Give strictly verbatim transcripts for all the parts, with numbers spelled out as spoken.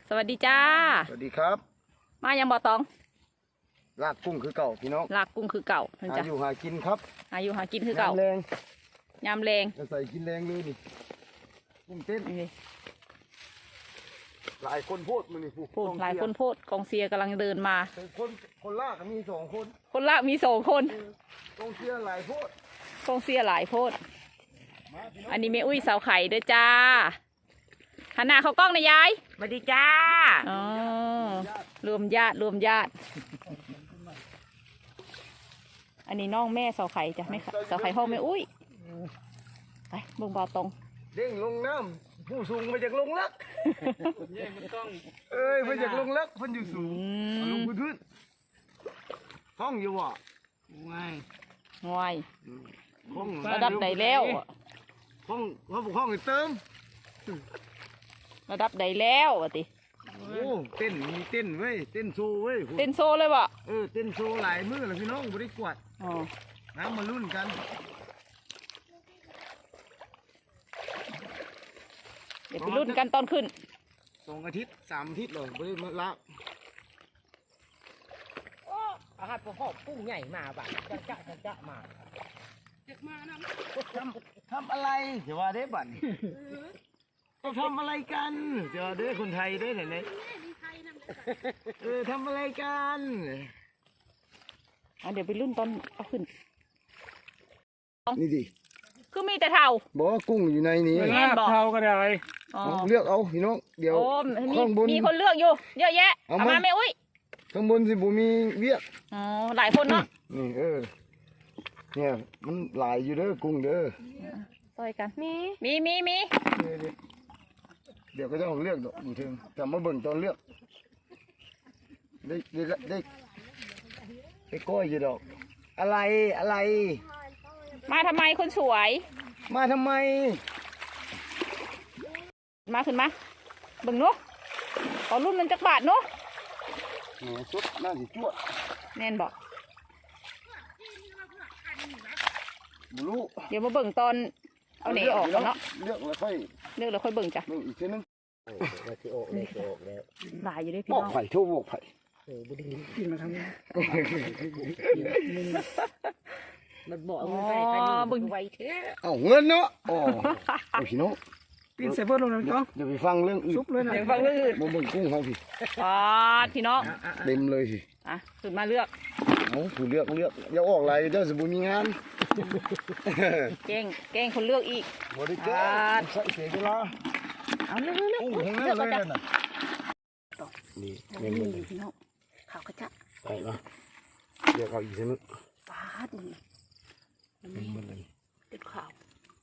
สวัสดีจ้าสวัสดีครับมายังบ่อตองลากกุ้งคือเก่าพี่น้องลากกุ้งคือเก่าหาอยู่หากินครับหาอยู่หากินคือเก่ายำแรงยำแรงจะใส่กินแรงเลยนี่กุ้งเต้นหลายคนโพดมันนี่พูดหลายคนโพดกองเชียร์กำลังเดินมาคนคนลากมีสองคนคนลากมีสองคนกองเชียร์หลายโพดกองเชียร์หลายโพดอันนี้แม่อุ้ยสาวไข่เด้อจ้าหันหน้าเขากล้องนะยายสวัสดีจ้าอ๋อรวมญาติรวมญาติอันนี้น้องแม่สาวไข่จ้ะไม่สาวไข่ห้องแม่อุ้ยไปบึงบ่อตรงเด้งลงน้ำผู้สูงมาจากลงลักเอ้ยมาจากลงลักเพิ่นอยู่สูงลงพื้นห้องอยู่วะง่ายง่ายระดับไหนแล้วห้องเขาบอกห้องเติมระดับใดแล้ววะติโอ้เต้นมีเต้นเว้ยเต้นโซเว้ยเต้นโซเลยบ่เออเต้นโซหลายมือเลยพี่น้องบริกวดอ๋อน้ำมาลุ้นกันเดี๋ยวไปลุ้นกันตอนขึ้นสองอาทิตย์สามอาทิตย์เลยบริมาละอาหารพวกกุ้งใหญ่มาบ่ะจะจะจะจะมาเด็กมานะทำทำอะไรเดี๋ยวว่าได้บัตรก็ทำอะไรกันเดี๋ยวได้คนไทยได้ไหนไหนเออทำอะไรกันเดี๋ยวไปรุ่นตอนเอาขึ้นนี่ดิคือมีแต่เท่าบอกว่ากุ้งอยู่ในนี้เท่าก็ได้เลือกเอาพี่น้องเดี๋ยวข้างบนมีคนเลือกอยู่เยอะแยะเอามาแม่อุ้ยข้างบนสิบุมีเวียกอ๋อหลายคนเนาะนี่เออเนี่ยมันหลายอยู่เด้อกุ้งเด้อต่อยกันมีมีมีมีเดี๋ยวก็จะเอาเลือกดอกอยู่ถึงแต่มาเบิ่งตอนเลือกได้ได้ได้ได้ก้อยอยู่ดอกอะไรอะไรมาทำไมคนสวยมาทำไมมาขึ้นมาเบิ่งเนาะขอรุ่นมันจักบาทเนาะเนี่ยชุดน่าสิจั่วแน่นบอกรู้เดี๋ยวมาเบิ่งตอนเอาเหนออกเนาะเลือกแล้วค่อยเลือกแล้วค่อยเบิ่งจ้ะอีกทีนึงหลายอยู่ด้วยพี่น้องบอกไผ่ทั่วบอกไผ่โอ้บุรีกินมาทำนี้มันบอกเอาเงินไปใครบึงไวเท่เอาเงินเนาะอ๋อพี่น้องปีนเซฟเวอร์ลงเลยจ้ะเดี๋ยวไปฟังเรื่องอื่นซุปเลยนะเดี๋ยวฟังเรื่องอื่นมาเบิ่งกุ้งเขาพี่อ๋อพี่น้องเต็มเลยสิอ่ะสุดมาเลือกเอาผู้เลือกเลือกอย่าออกอะไรเจ้าสมุนมีงานเก่งเก่งคนเลือกอีกบริการใส่เสียเวลาเอาเลือกเลือกโอ้โหเลือกเลยน่ะนี่นี่อยู่พี่น้องข่าวกระจะไปละเดี๋ยวเอาอีกทีนึงปาดนี่มันเลยติดข่าว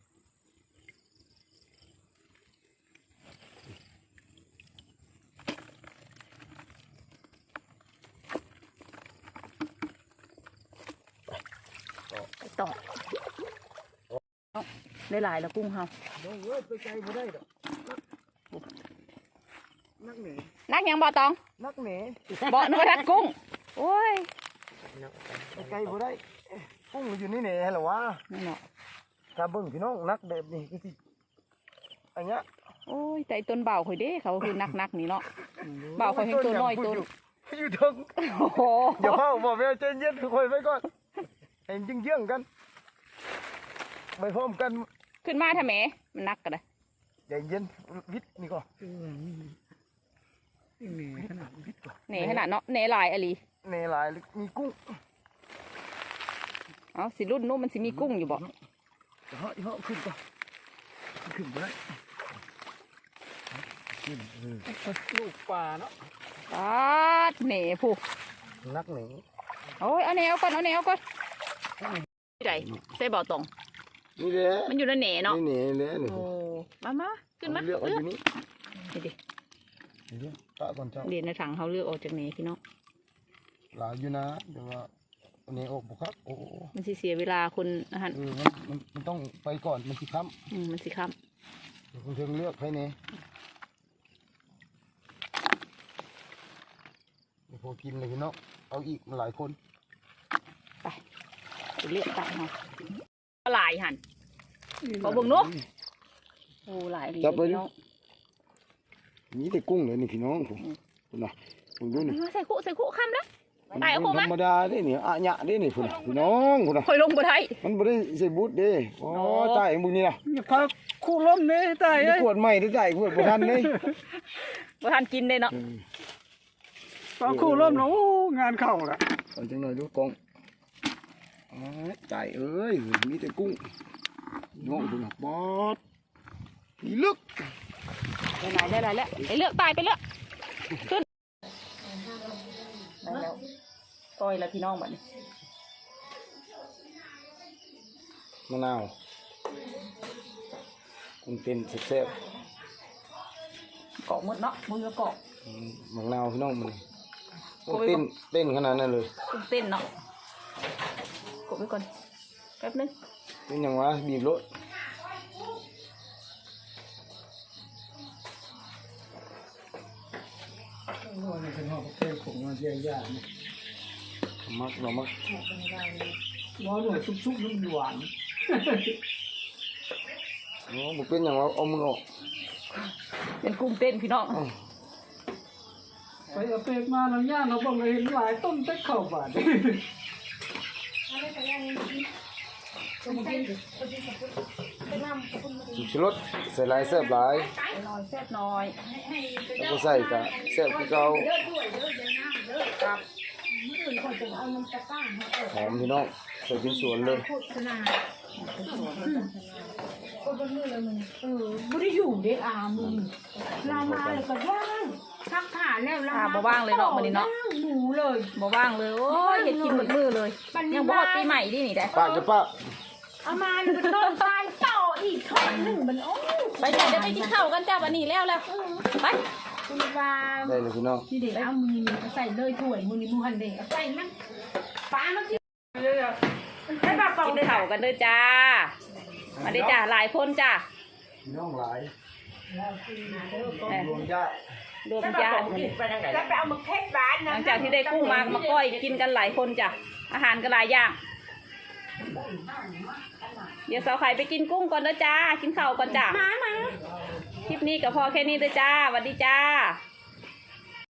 ต่อได้หลายแล้วกุ้งเฮาไปไกลบ่ได้ดอกนักหนีนักยังบ่ตองนักหนีบ่นึกว่านักกุ้งโอ้ยไปไกลบ่ได้กุ้งอยู่นี่แหน่เหรอวะนั่นเนาะถ้าเบิ่งพี่น้องนักแบบนี้ก็สิอันเนี้ยโอ้ยแต่ต้นเบาข่อยเด้เขาคือนักนักนี่เนาะเบาข่อยให้ตัวน้อยตัวอยู่ถึงโอ้โหเดี๋ยวพ่อบอกแม่ใจเย็นค่อยไปก่อนเห็นยิ่งเยื่องกันไปพร้อมกันขึ้นมาทำไมมันนักกันเลยใจเย็นวิทย์นี่ก่อนเหน่ขนาดวิทย์ก่อนเหน่ขนาดเนาะเหน่ลายอะไรเหน่ลายมีกุ้งอ๋อสิรุ่นนู้นมันสิมีกุ้งอยู่บ่เฮ้ยเฮ้ยขึ้นก่อนขึ้นไปได้ขึ้นลูกปลาเนาะปลาเหน่ผู้นักเหน่โอ้ยเอาเหน่เอาก่อนเอาเหน่เอาก่อนที่ไหนใส่บ่อตรงนี่แหละมันอยู่ในเหน่เนาะนี่เหน่เลยโอ้มามาขึ้นมาเลือกเอาอยู่นี่นี่ดิเดี๋ยวตาก่อนเจ้าเดี๋ยวในถังเขาเลือกออกจากเหน่พี่น้องหลายอยู่นะเดี๋ยวว่าเหน่ออกบุครับโอ้มันสิเสียเวลาคนอาหารเออมันมันต้องไปก่อนมันสิค้ำอืมมันสิค้ำเดี๋ยวคุณเชิงเลือกให้เหน่เดี๋ยวพอกินเลยพี่น้องเอาอีกมาหลายคนไปเลือกตัดมาหลายหันขอเบิ่งนุ๊กโอ้หลายดีพี่น้องมีแต่กุ้งเลยนี่พี่น้องผมคุณน่ะคุณดูนี่ใส่คุใส่คุคำแล้วตายเอาคุธรมารมดาเด้นี่อะหยะเด้นี่คุณน่ะพี่น้องคุณน่ะคอยลงบ่ได้มันบ่ได้ใส่บูทเด้โอ้ตายมึงนี่ล่ะอย่าพาคู่ล้มเนี่ยตายนี่เอ้ยขวดใหม่ได้จ่ายขวดบ่ทันเด้บ่ทันกินได้เนาะพาคู่ล้มแล้วโอ้งานเข้าละเอาจังหน่อยดูกล้องอ๋อจ่ายเอ้ยมีแต่กุ้งน้องคุณน่ะบอดนี่ลึกได้หลายได้หลายแล้วไอ้เลือกตายไปเลือกขึ้นได้แล้วก้อยแล้วพี่น้องบัดนี้มะนาวกุ้งเต้นแซ่บเกาะหมดเนาะมือก็เกาะๆอืมมะนาวพี่น้องมันโอ้เต้นเต้นขนาดนั้นเลยกุ้งเต้นเนาะกดไว้ก่อนแป๊บนึงเป็นหยังวะบีบรถมักเรามักร้อนหน่อยชุบๆแล้วมันหวานโอ้บุเป็นอย่างว่าเอามือออกเป็นกุ้งเต้นพี่น้องอ้าวไปเอาเปกมาแล้วย่างเราบอกเลยเห็นหลายต้นเต็กเข้าบาดจุดชรสใส่หลายแซ่บหลายน้อยแซ่บน้อยแล้วก็ใส่กะแซ่บคือเก่าหอมพี่น้องใส่เป็นสวนเลยเออไม่ได้อยู่เด็กอามึงเรามาเลยก็ย่างทักขาแล้วเราอ่าบ่ว่างเลยเนาะวันนี้เนาะย่างหมูเลยบ่ว่างเลยโอ้ยเห็ดกินหมดมือเลย ยังบ่ฮอดปีใหม่ดินี่ได้ปากจะปากเอามาแล้วก็ต้นตายต่ออีกทอดหนึ่งมันโอ้ยไปจ้ะเดี๋ยวไปกินข้าวกันจ้าวันนี้แล้วแล้วไปคุณว่าได้เลยพี่น้องนี่เด็กเอามือใส่เลยถ้วยมือนี่มือหันเด็กใส่มันปลามันที่ให้ปลาเป่ากินเลยข้าวกันเด้อจ้ามาได้จ้าหลายคนจ้าพี่น้องหลายแหม่รวมญาติรวมญาติแล้วไปเอามาเพ็ดร้านหนะลังจากที่ได้กุ้งมามาก้อยกินกันหลายคนจ้ะอาหารก็หลายอย่างเดี๋ยวสาวไข่ไปกินกุ้งก่อนเด้อจ้ากินข้าวก่อนจ้ามามาคลิปนี้ก็พอแค่นี้เด้อจ้าสวัสดีจ้า